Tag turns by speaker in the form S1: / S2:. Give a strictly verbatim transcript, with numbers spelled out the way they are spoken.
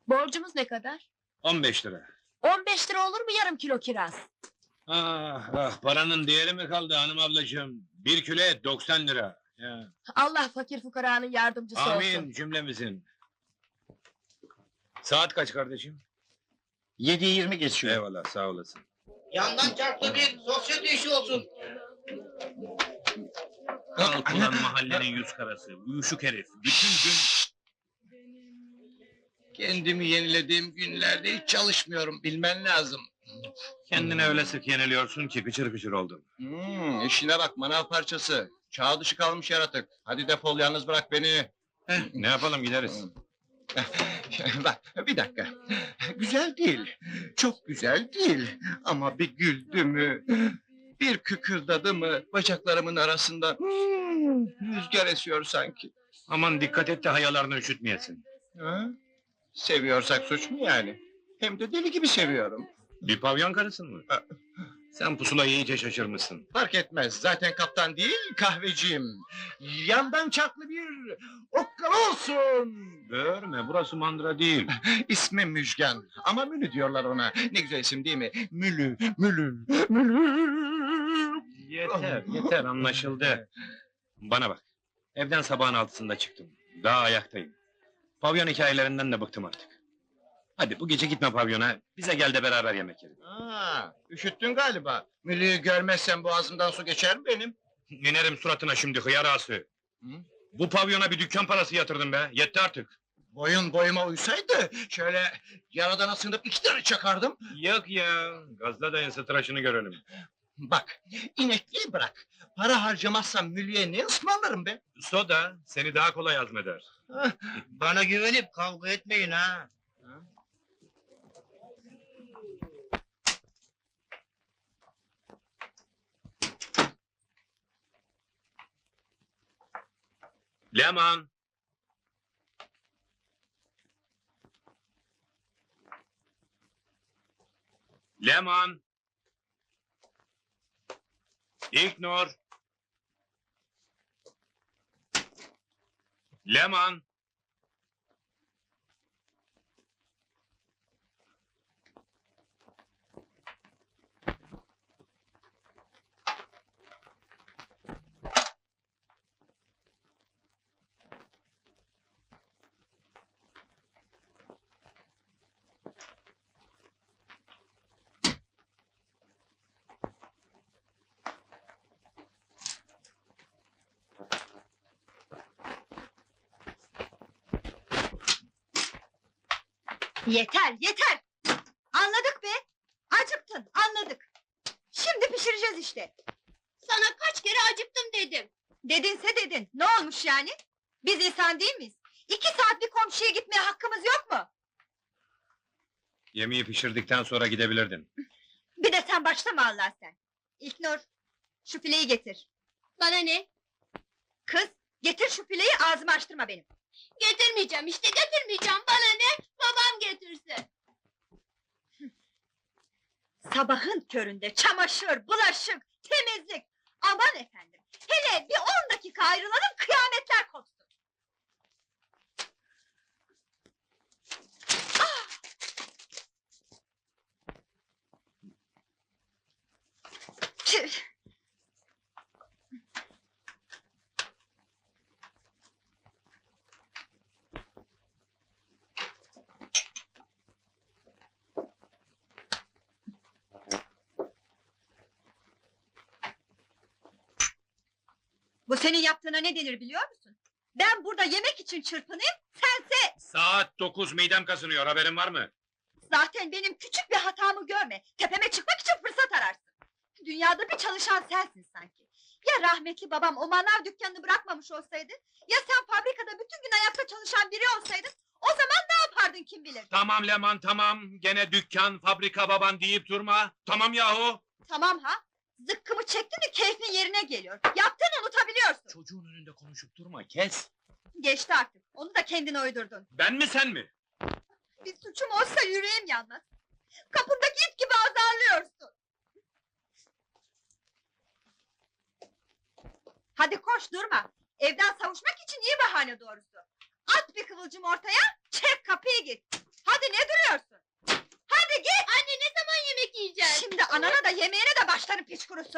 S1: Borcumuz ne kadar?
S2: On beş lira.
S1: On beş lira olur mu yarım kilo kiraz?
S2: Ah ah, paranın değeri mi kaldı hanım ablacığım? Bir kilo et doksan lira. Ya.
S1: Allah fakir fukaranın yardımcısı
S2: Amin
S1: olsun.
S2: cümlemizin. Saat kaç kardeşim?
S3: Yedi yirmi geçiyor.
S2: Eyvallah sağ olasın.
S4: Yandan çarptı bir sosyete işi olsun.
S2: Kalk ulan mahallenin yüz karası, uyuşuk herif. Bütün gün...
S4: Kendimi yenilediğim günlerde hiç çalışmıyorum, bilmen lazım.
S2: Kendine öyle sık yeniliyorsun ki pıçır pıçır oldun.
S4: Hmm, işine bak manav parçası. Çağ dışı kalmış yaratık. Hadi defol, yalnız bırak beni.
S2: Heh, ne yapalım gideriz.
S4: Bak, bir dakika. Güzel değil, çok güzel değil. Ama bir güldü mü, bir kıkırdadı mı bacaklarımın arasında... Hmm, rüzgar esiyor sanki.
S2: Aman dikkat et de hayalarını üşütmeyesin.
S4: Ha? Seviyorsak suç mu yani? Hem de deli gibi seviyorum.
S2: Bir pavyon karısın mı?
S4: Ha.
S2: Sen pusulayı iyice şaşırmışsın.
S4: Fark etmez, zaten kaptan değil, kahveciyim. Yandan çarklı bir okkal olsun.
S2: Görme, burası mandıra değil.
S4: İsmi Müjgan, ama Mülü diyorlar ona. Ne güzel isim değil mi? Mülü, Mülü, Mülü.
S2: Yeter, yeter anlaşıldı. Bana bak, evden sabahın altısında çıktım. Daha ayaktayım. Pavyon hikayelerinden de bıktım artık. Hadi bu gece gitme pavyona, bize gel de beraber yemek yiyelim.
S4: Aa, üşüttün galiba. Mülü'yü görmezsen boğazımdan su geçer mi benim?
S2: İnerim suratına şimdi hıyar ağası.
S4: Hı?
S2: Bu pavyona bir dükkan parası yatırdım be, yetti artık.
S4: Boyun boyuma uysaydı, şöyle yaradan asınıp iki tane çakardım.
S2: Yok ya, gazla dayın tıraşını görelim.
S4: Bak, inekliği bırak. Para harcamazsam Mülü'ye ne ısmarlarım be?
S2: Soda seni daha kolay hazmeder.
S4: Bana güvenip kavga etmeyin ha.
S2: Leman! Leman! İlknur! Leman!
S5: Yeter, yeter! Anladık be! Acıktın, anladık. Şimdi pişireceğiz işte.
S1: Sana kaç kere acıktım dedim.
S5: Dedinse dedin, ne olmuş yani? Biz insan değil miyiz? İki saat bir komşuya gitmeye hakkımız yok mu?
S2: Yemeği pişirdikten sonra gidebilirdin.
S5: Bir de sen başlama Allah sen. İlknur, şu fileyi getir.
S1: Bana ne?
S5: Kız, getir şu fileyi, ağzımı açtırma benim.
S1: Getirmeyeceğim işte, getirmeyeceğim. Bana ne? Babam getirsin.
S5: Sabahın köründe çamaşır, bulaşık, temizlik. Aman efendim, hele bir on dakika ayrılalım, kıyametler kopsun. Ah! Tüh! Bu senin yaptığına ne denir biliyor musun? Ben burada yemek için çırpınayım, sense...
S2: Saat dokuz midem kasınıyor, haberin var mı?
S5: Zaten benim küçük bir hatamı görme, tepeme çıkmak için fırsat ararsın. Dünyada bir çalışan sensin sanki. Ya rahmetli babam o manav dükkanını bırakmamış olsaydı... ...ya sen fabrikada bütün gün ayakta çalışan biri olsaydın... ...o zaman ne yapardın kim bilir?
S2: Tamam Leman tamam, gene dükkan, fabrika baban deyip durma. Tamam yahu!
S5: Tamam ha, zıkkımı çektin mi keyfin yerine geliyor. Yaptığını unutabiliyorsun.
S2: Çocuğun önünde konuşup durma, kes!
S5: Geçti artık, onu da kendine uydurdun.
S2: Ben mi sen mi?
S5: Bir suçum olsa yüreğim yanmaz. Kapındaki it gibi azarlıyorsun. Hadi koş durma. Evden savuşmak için iyi bahane doğrusu. At bir kıvılcım ortaya, çek kapıyı git. Hadi ne duruyorsun? Hadi git!
S1: Anne ne zaman yemek yiyeceğiz?
S5: Şimdi anana da yemeğine de başlarım piç kurusu!